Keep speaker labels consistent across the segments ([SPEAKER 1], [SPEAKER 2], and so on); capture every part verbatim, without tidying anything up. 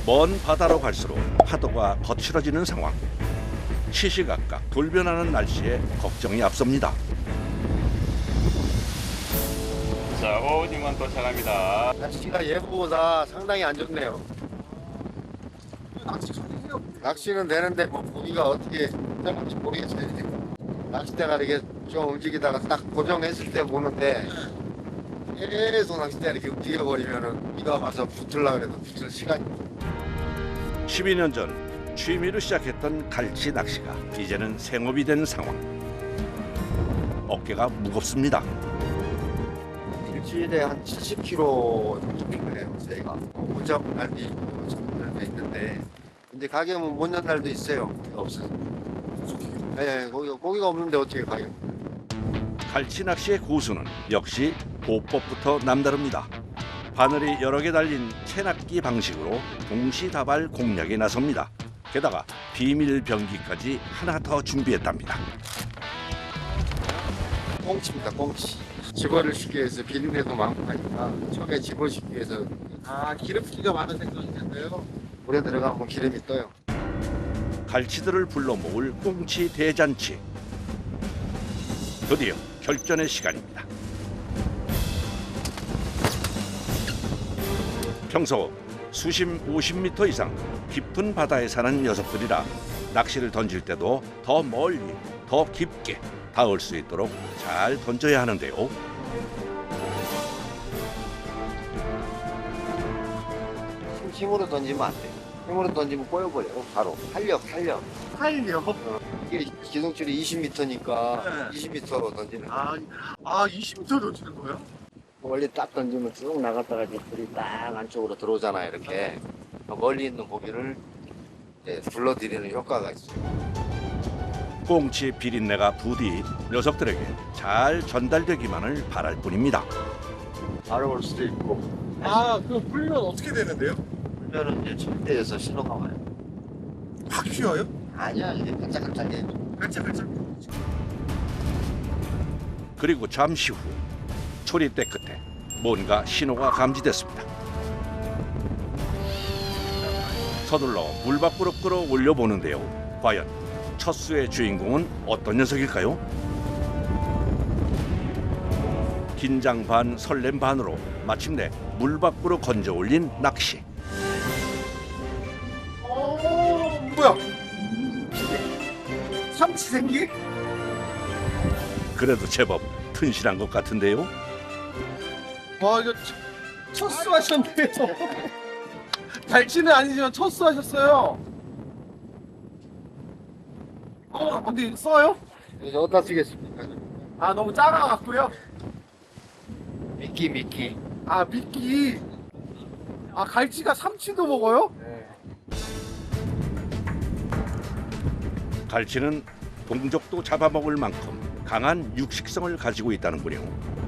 [SPEAKER 1] 먼 바다로 갈수록 파도가 거칠어지는 상황. 시시각각 돌변하는 날씨에 걱정이 앞섭니다.
[SPEAKER 2] 자, 오징어 도착합니다.
[SPEAKER 3] 날씨가 예보보다 상당히 안 좋네요. 낚시는 되는데 뭐 고기가 어떻게 될지 모르겠어요. 낚싯대가 이렇게 좀 움직이다가 딱 고정했을 때 보는데 계속 낚싯대가 이렇게 움직여버리면은 비가 와서 붙으려고 해도 붙을 시간이
[SPEAKER 1] 십이 년 전 취미로 시작했던 갈치 낚시가 이제는 생업이 된 상황. 어깨가 무겁습니다.
[SPEAKER 3] 일주일에 한 칠십 킬로그램 정도 필요해요. 저희가 못 잡은 날도 있고 잡은 날도 있는데 근데 가격은 못 연 날도 있어요. 없어요. 네, 고기가, 고기가 없는데 어떻게 가격?
[SPEAKER 1] 갈치 낚시의 고수는 역시 보법부터 남다릅니다. 바늘이 여러 개 달린 채낚기 방식으로 동시다발 공략에 나섭니다. 게다가 비밀 병기까지 하나 더 준비했답니다.
[SPEAKER 3] 꽁치입니다, 꽁치. 집어를 쉽기 위해서 비린내도 많고 하니까 처음에 집어시기 위해서
[SPEAKER 4] 아, 기름기가 많은 생선이 텐데요.
[SPEAKER 3] 물에 들어가면 기름이 떠요.
[SPEAKER 1] 갈치들을 불러 모을 꽁치 대잔치. 드디어 결전의 시간입니다. 평소 수심 오십 미터 이상 깊은 바다에 사는 녀석들이라 낚시를 던질 때도 더 멀리, 더 깊게 닿을 수 있도록 잘 던져야 하는데요.
[SPEAKER 3] 힘- 힘으로 던지면 안 돼요. 힘으로 던지면 꼬여버려요, 바로. 탄력, 탄력.
[SPEAKER 4] 팔려.
[SPEAKER 3] 이게 기동줄이 이십 미터니까
[SPEAKER 4] 네.
[SPEAKER 3] 이십 미터로 던지는 거예요.
[SPEAKER 4] 아, 아, 이십 미터 던지는 거예요?
[SPEAKER 3] 멀리 딱 던지면 쭉 나갔다가 이제 불이 딱 안쪽으로 들어오잖아요, 이렇게. 멀리 있는 고기를 이제 불러들이는 효과가 있어요.
[SPEAKER 1] 꽁치 비린내가 부디 녀석들에게 잘 전달되기만을 바랄 뿐입니다.
[SPEAKER 3] 바로 올 수도 있고,
[SPEAKER 4] 아, 그 불면 어떻게 되는데요?
[SPEAKER 3] 불면은 이제 절대에서 신호가 와요.
[SPEAKER 4] 확 휘어요?
[SPEAKER 3] 아니야, 이게 반짝반짝해.
[SPEAKER 4] 깔짝깔짝.
[SPEAKER 1] 그리고 잠시 후 초리대 끝에 뭔가 신호가 감지됐습니다. 서둘러 물 밖으로 끌어올려 보는데요. 과연 첫 수의 주인공은 어떤 녀석일까요? 긴장 반 설렘 반으로 마침내 물 밖으로 건져 올린 낚시.
[SPEAKER 4] 어, 뭐야? 삼치 생기?
[SPEAKER 1] 그래도 제법 튼실한 것 같은데요.
[SPEAKER 4] 와, 이거 첫 수 하셨네요. 갈치는 아니지만 첫 수 하셨어요. 어, 근데 써요?
[SPEAKER 3] 이제 어디다 쓰겠습니까?
[SPEAKER 4] 아, 너무 작아갖고요.
[SPEAKER 3] 미끼, 미끼.
[SPEAKER 4] 아, 미끼. 아, 갈치가 삼치도 먹어요?
[SPEAKER 3] 네.
[SPEAKER 1] 갈치는 동족도 잡아먹을 만큼 강한 육식성을 가지고 있다는군요.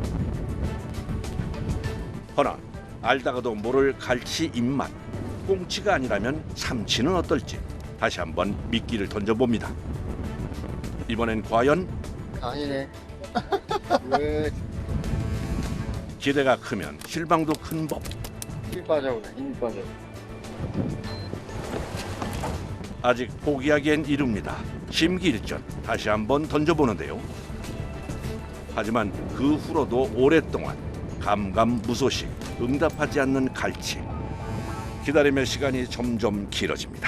[SPEAKER 1] 허나 알다가도 모를 갈치 입맛. 꽁치가 아니라면 삼치는 어떨지 다시 한번 미끼를 던져봅니다. 이번엔 과연
[SPEAKER 3] 아니네. 왜
[SPEAKER 1] 기대가 크면 실망도 큰 법.
[SPEAKER 3] 힘 빠져오네, 힘이 빠져.
[SPEAKER 1] 아직 포기하기엔 이릅니다. 심기일전 다시 한번 던져보는데요. 하지만 그 후로도 오랫동안 감감무소식 응답하지 않는 갈치. 기다림의 시간이 점점 길어집니다.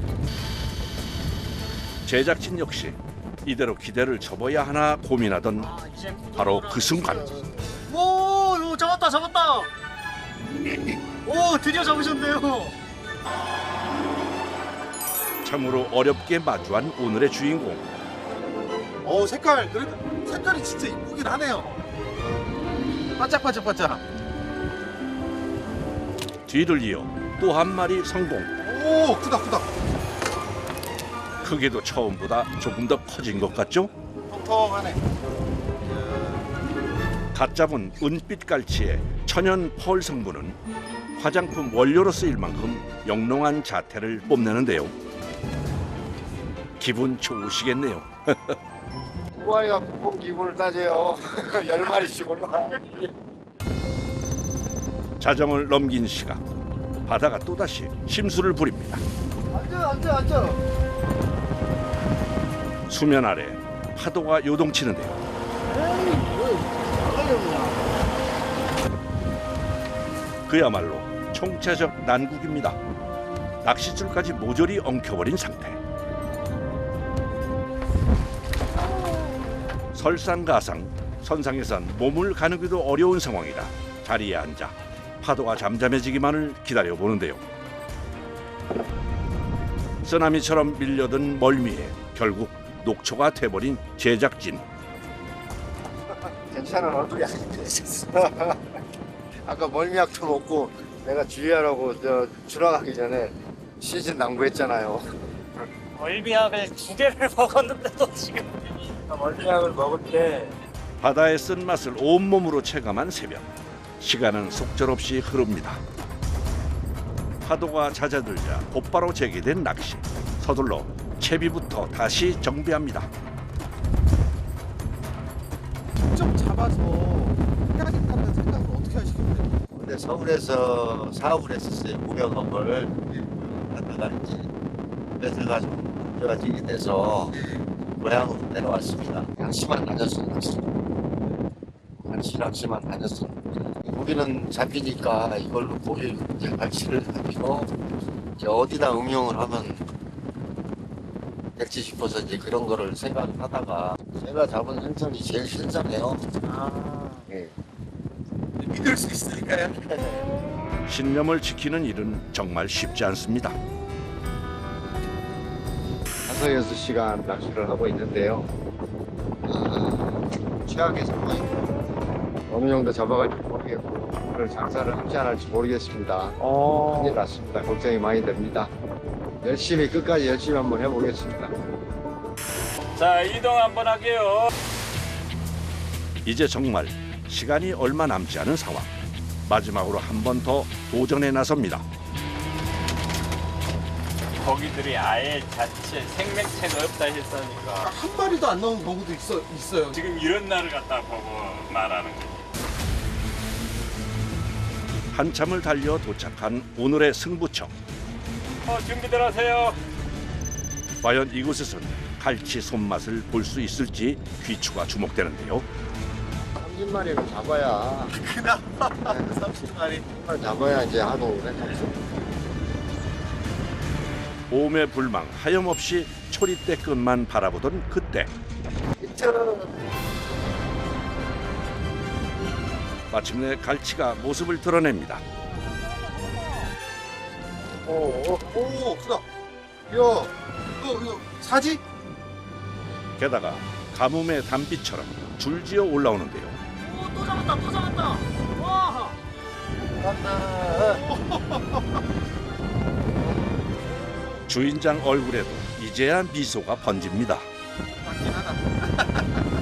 [SPEAKER 1] 제작진 역시 이대로 기대를 접어야 하나 고민하던 바로 그 순간
[SPEAKER 5] 오, 오, 잡았다, 잡았다. 오, 드디어 잡으셨네요.
[SPEAKER 1] 참으로 어렵게 마주한 오늘의 주인공.
[SPEAKER 4] 어, 색깔, 그래도 색깔이 진짜 이쁘긴 하네요. 반짝반짝반짝.
[SPEAKER 1] 뒤를 이어 또 한 마리 성공.
[SPEAKER 4] 오, 크다, 크다.
[SPEAKER 1] 크기도 처음보다 조금 더 커진 것 같죠?
[SPEAKER 4] 통통하네.
[SPEAKER 1] 갓 잡은 은빛 갈치의 천연 펄 성분은 화장품 원료로 쓰일 만큼 영롱한 자태를 뽐내는데요. 기분 좋으시겠네요.
[SPEAKER 3] 우아이가 국뽕 기분을 따져요. 열 마리씩 올라가.
[SPEAKER 1] 자정을 넘긴 시각 바다가 또다시 심수를 부립니다.
[SPEAKER 4] 앉아 앉아 앉아.
[SPEAKER 1] 수면 아래 파도가 요동치는데요.
[SPEAKER 4] 에이 뭐 나가려구나.
[SPEAKER 1] 그야말로 총체적 난국입니다. 낚싯줄까지 모조리 엉켜버린 상태. 설상가상, 선상에선 몸을 가누기도 어려운 상황이라 자리에 앉아 파도가 잠잠해지기만을 기다려보는데요. 쓰나미처럼 밀려든 멀미에 결국 녹초가 돼버린 제작진.
[SPEAKER 3] 괜찮아, 얼굴이 안 됐어. 아까 멀미약도 먹고 내가 주의하라고 저 줄어가기 전에 시즌 낭구했잖아요.
[SPEAKER 5] 멀미약을 두 개를 먹었는데도 지금
[SPEAKER 3] 멀미약을 먹을 때
[SPEAKER 1] 바다의 쓴맛을 온몸으로 체감한 새벽. 시간은 속절없이 흐릅니다. 파도가 잦아들자 곧바로 재개된 낚시. 서둘러 채비부터 다시 정비합니다.
[SPEAKER 4] 직접 잡아서 해야겠다는 생각을 어떻게 하시는데?
[SPEAKER 3] 근데 서울에서 사업을 했었어요. 무역업을 하다가 이제 회사가 좀 문제가 지게 돼서 고향으로 내려왔습니다. 낚시만 다녔어요. 낚시. 낚시 낚시만 다녔었는데 고기는 잡히니까 이걸로 고기 이제 갈치를 가지고 이제 어디다 응용을 하면 될지 싶어서 이제 그런 거를 생각하다가 제가 잡은 생선이 제일 신선해요.
[SPEAKER 4] 아
[SPEAKER 3] 예.
[SPEAKER 4] 믿을 수 있으니까요.
[SPEAKER 1] 신념을 지키는 일은 정말 쉽지 않습니다.
[SPEAKER 3] 다섯 여섯 시간 낚시를 하고 있는데요. 아, 최악의 상황입니다. 어느 정도 잡아갈지 모르겠고 오늘 장사를 할지 안 할지 모르겠습니다.
[SPEAKER 4] 어.
[SPEAKER 3] 큰일 났습니다. 걱정이 많이 됩니다. 열심히 끝까지 열심히 한번 해보겠습니다.
[SPEAKER 2] 자, 이동 한번 할게요.
[SPEAKER 1] 이제 정말 시간이 얼마 남지 않은 상황. 마지막으로 한 번 더 도전에 나섭니다.
[SPEAKER 2] 고기들이 아예 자체 생명체가 없다 했으니까
[SPEAKER 4] 한 마리도 안 나온 경우도 있어 있어요.
[SPEAKER 2] 지금 이런 날을 갖다 보고 말하는 거예요.
[SPEAKER 1] 한참을 달려 도착한 오늘의 승부처.
[SPEAKER 2] 어, 준비들 하세요.
[SPEAKER 1] 과연 이곳에선 갈치 손맛을 볼 수 있을지 귀추가 주목되는데요.
[SPEAKER 3] 삼십 마리는 잡아야
[SPEAKER 4] 그나마 삼십 마리.
[SPEAKER 3] 잡아야 이제 하도 오래
[SPEAKER 1] 오매 불망 하염없이 초리대 끝만 바라보던 그때 마침내 갈치가 모습을 드러냅니다.
[SPEAKER 3] 오오
[SPEAKER 4] 오 크다. 야, 이거 이거 사지?
[SPEAKER 1] 게다가 가뭄의 단비처럼 줄지어 올라오는데요.
[SPEAKER 5] 오, 또 잡았다 또 잡았다. 와.
[SPEAKER 1] 주인장 얼굴에도 이제야 미소가 번집니다.
[SPEAKER 4] 맞긴 하다.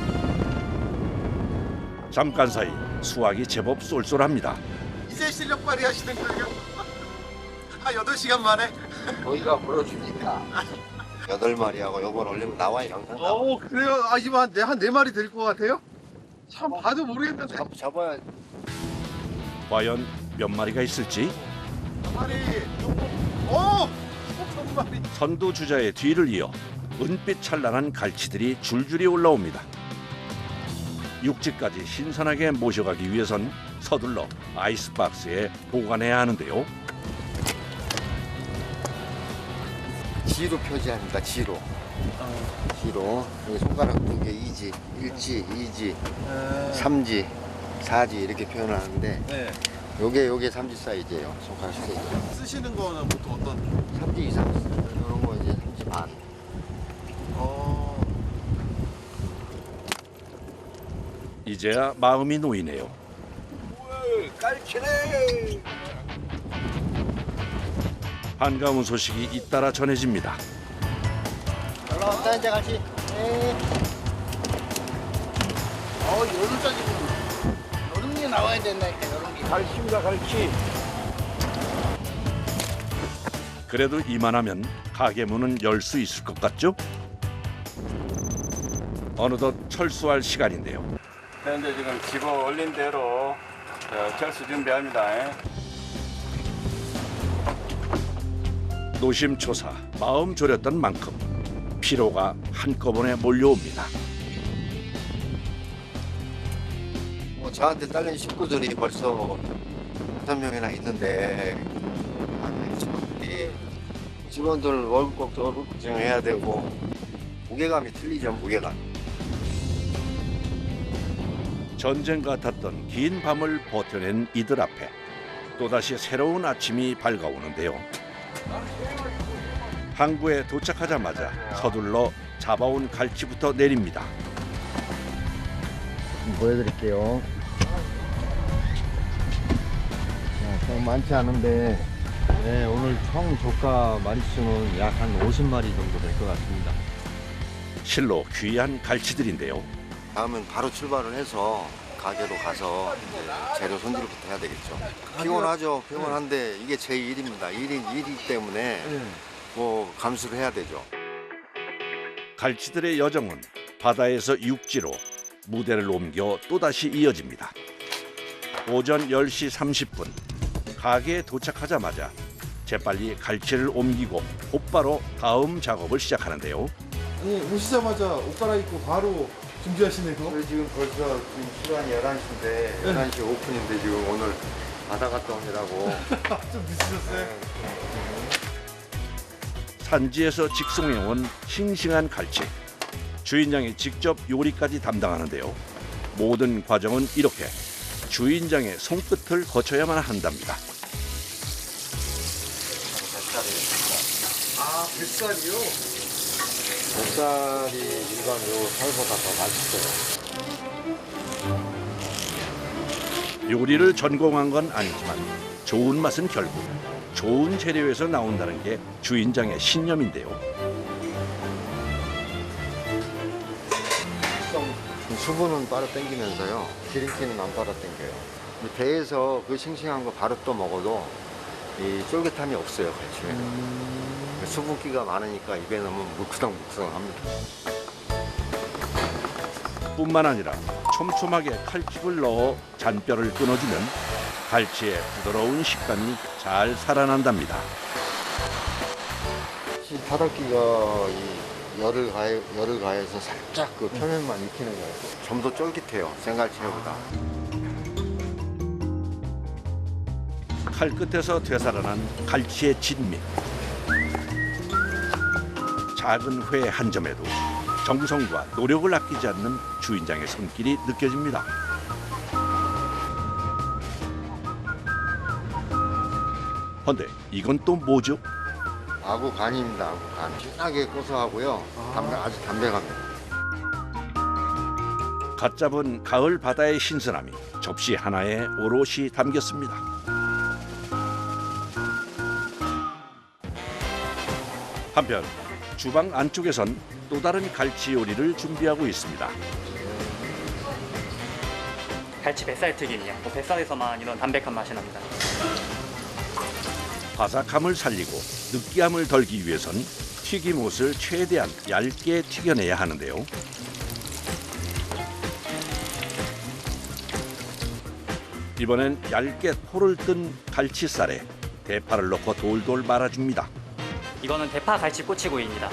[SPEAKER 1] 잠깐 사이 수확이 제법 쏠쏠합니다.
[SPEAKER 4] 이제 실력 발휘하시는 거예요? 한 여덟 시간 만에?
[SPEAKER 3] 거기가 물어주니까 여덟 마리하고 요번 올리면 나와요 영상.
[SPEAKER 4] 어 그래요? 아 이거 한네 네 마리 될 것 같아요? 참 봐도 모르겠는데.
[SPEAKER 3] 잡, 잡아야
[SPEAKER 1] 과연 몇 마리가 있을지
[SPEAKER 4] 마리. 오! 한 마리.
[SPEAKER 1] 선두주자의 뒤를 이어 은빛 찬란한 갈치들이 줄줄이 올라옵니다. 육지까지 신선하게 모셔가기 위해선 서둘러 아이스박스에 보관해야 하는데요.
[SPEAKER 3] 지로 표시합니다. 지로. 지로. 여기 손가락 두 개 이지, 일지, 이지, 삼지, 사지 이렇게 표현을 하는데
[SPEAKER 4] 네.
[SPEAKER 3] 요게 요게 삼지 사이즈예요. 손가락 세 개.
[SPEAKER 4] 쓰시는 거는 보통 어떤?
[SPEAKER 3] 삼지 이상. 이런 거 이제 삼지 반.
[SPEAKER 4] 어.
[SPEAKER 1] 이제야 마음이 놓이네요.
[SPEAKER 4] 깔치네.
[SPEAKER 1] 반가운 소식이 잇따라 전해집니다.
[SPEAKER 3] 올라왔다 이제 같이. 네.
[SPEAKER 4] 어 여름까지 여름이 나와야 된다니까 여름이.
[SPEAKER 3] 갈치입니다, 갈치.
[SPEAKER 1] 그래도 이만하면 가게 문은 열 수 있을 것 같죠? 어느덧 철수할 시간인데요.
[SPEAKER 2] 현재 지금 집어 올린 대로 저 철수 준비합니다.
[SPEAKER 1] 노심초사 마음 졸였던 만큼 피로가 한꺼번에 몰려옵니다.
[SPEAKER 3] 뭐 저한테 딸린 식구들이 벌써 다섯 명이나 있는데 아, 직원들이 직원들 월급도 월급 걱정해야 되고 무게감이 틀리죠, 무게감.
[SPEAKER 1] 전쟁 같았던 긴 밤을 버텨낸 이들 앞에 또다시 새로운 아침이 밝아오는데요. 항구에 도착하자마자 서둘러 잡아온 갈치부터 내립니다.
[SPEAKER 3] 보여드릴게요. 자, 좀 많지 않은데
[SPEAKER 6] 네, 오늘 총 조가 마리수는 약 한 오십 마리 정도 될 것 같습니다.
[SPEAKER 1] 실로 귀한 갈치들인데요.
[SPEAKER 3] 다음은 바로 출발을 해서 가게로 가서 이제 재료 손질부터 해야 되겠죠. 피곤하죠. 피곤한데 이게 제 일입니다. 일인 일이기 때문에 뭐 감수를 해야 되죠.
[SPEAKER 1] 갈치들의 여정은 바다에서 육지로 무대를 옮겨 또다시 이어집니다. 오전 열 시 삼십 분 가게에 도착하자마자 재빨리 갈치를 옮기고 곧바로 다음 작업을 시작하는데요.
[SPEAKER 4] 아니 오시자마자 옷 갈아입고 바로 준비하시네요.
[SPEAKER 3] 저희 지금 벌써 지금 시간이 열한 시인데 열한 시 오픈인데 지금 오늘 바다 갔다 오느라고
[SPEAKER 4] 좀 늦으셨어요?
[SPEAKER 1] 산지에서 직송해온 싱싱한 갈치. 주인장이 직접 요리까지 담당하는데요. 모든 과정은 이렇게 주인장의 손끝을 거쳐야만 한답니다.
[SPEAKER 3] 아, 뱃살이요? 뱃살이 일반 요 살보다 더 맛있어요.
[SPEAKER 1] 요리를 전공한 건 아니지만 좋은 맛은 결국 좋은 재료에서 나온다는 게 주인장의 신념인데요.
[SPEAKER 3] 수분은 빨아 당기면서요. 기름기는 안 빨아 당겨요. 배에서 그 싱싱한 거 바로 또 먹어도 이 쫄깃함이 없어요, 갈치에. 음... 수분기가 많으니까 입에 넣으면 묵성묵성합니다.
[SPEAKER 1] 뿐만 아니라 촘촘하게 칼집을 넣어 잔뼈를 끊어주면 갈치의 부드러운 식감이 잘 살아난답니다.
[SPEAKER 3] 이 바닥기가 이 열을 가해, 열을 가해서 살짝 그 표면만 익히는 거예요. 좀 더 쫄깃해요, 생갈치보다.
[SPEAKER 1] 칼끝에서 되살아난 갈치의 진미. 작은 회 한 점에도 정성과 노력을 아끼지 않는 주인장의 손길이 느껴집니다. 헌데 이건 또 뭐죠?
[SPEAKER 3] 아구 간입니다, 아구 간. 진하게 고소하고요. 담백, 아주 담백합니다.
[SPEAKER 1] 갓 잡은 가을 바다의 신선함이 접시 하나에 오롯이 담겼습니다. 한편 주방 안쪽에선 또 다른 갈치 요리를 준비하고 있습니다.
[SPEAKER 5] 갈치 뱃살 튀김이요. 뭐 뱃살에서만 이런 담백한 맛이 납니다.
[SPEAKER 1] 바삭함을 살리고 느끼함을 덜기 위해선 튀김옷을 최대한 얇게 튀겨내야 하는데요. 이번엔 얇게 포를 뜬 갈치살에 대파를 넣고 돌돌 말아줍니다.
[SPEAKER 5] 이거는 대파 갈치 꼬치구이입니다.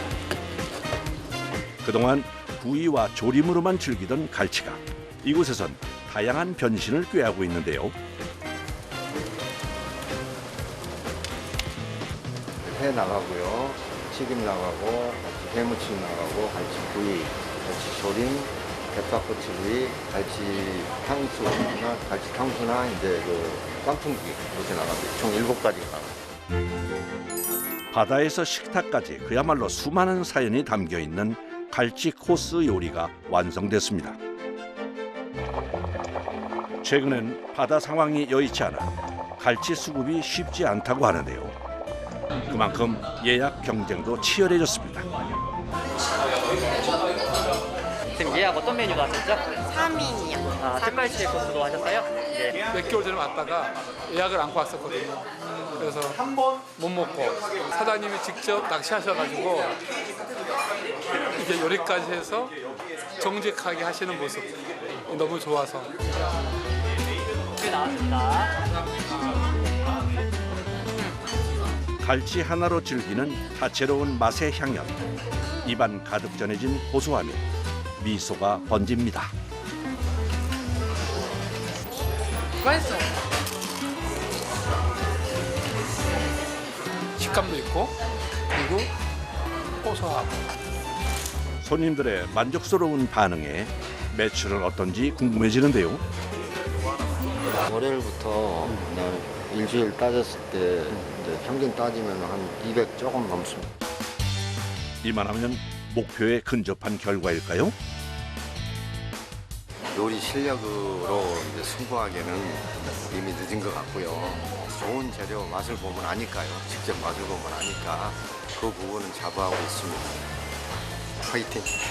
[SPEAKER 1] 그동안 구이와 조림으로만 즐기던 갈치가 이곳에선 다양한 변신을 꾀하고 있는데요.
[SPEAKER 3] 회 나가고요, 튀김 나가고, 회무침 나가고, 갈치구이, 갈치조림, 대파꼬치구이, 갈치 탕수나 갈치 탕수나 이제 그 깐풍기 이렇게 나갑니다. 총 일곱 가지가 나갑니다.
[SPEAKER 1] 바다에서 식탁까지 그야말로 수많은 사연이 담겨 있는 갈치 코스 요리가 완성됐습니다. 최근엔 바다 상황이 여의치 않아 갈치 수급이 쉽지 않다고 하는데요. 그만큼 예약 경쟁도 치열해졌습니다.
[SPEAKER 5] 지금 예약 어떤 메뉴로 하셨죠?
[SPEAKER 7] 삼 인이요.
[SPEAKER 5] 아, 특갈치 코스로 하셨어요? 네.
[SPEAKER 8] 몇 개월 전에 왔다가 예약을 안고 왔었거든요. 그래서 못 먹고 사장님이 직접 낚시하셔가지고 이게 요리까지 해서 정직하게 하시는 모습 너무 좋아서.
[SPEAKER 5] 네, 나왔습니다.
[SPEAKER 1] 갈치 하나로 즐기는 다채로운 맛의 향연. 입안 가득 전해진 고소함에 미소가 번집니다.
[SPEAKER 8] 맛있어. 식감도 있고 그리고 고소하고.
[SPEAKER 1] 손님들의 만족스러운 반응에 매출은 어떤지 궁금해지는데요.
[SPEAKER 3] 월요일부터 그냥 일주일 따졌을 때 이제 평균 따지면 한 이백 조금 넘습니다.
[SPEAKER 1] 이만하면 목표에 근접한 결과일까요?
[SPEAKER 3] 요리 실력으로 이제 승부하기에는 이미 늦은 것 같고요. 좋은 재료 맛을 보면 아니까요. 직접 맛을 보면 아니까 그 부분은 자부하고 있습니다. 화이팅!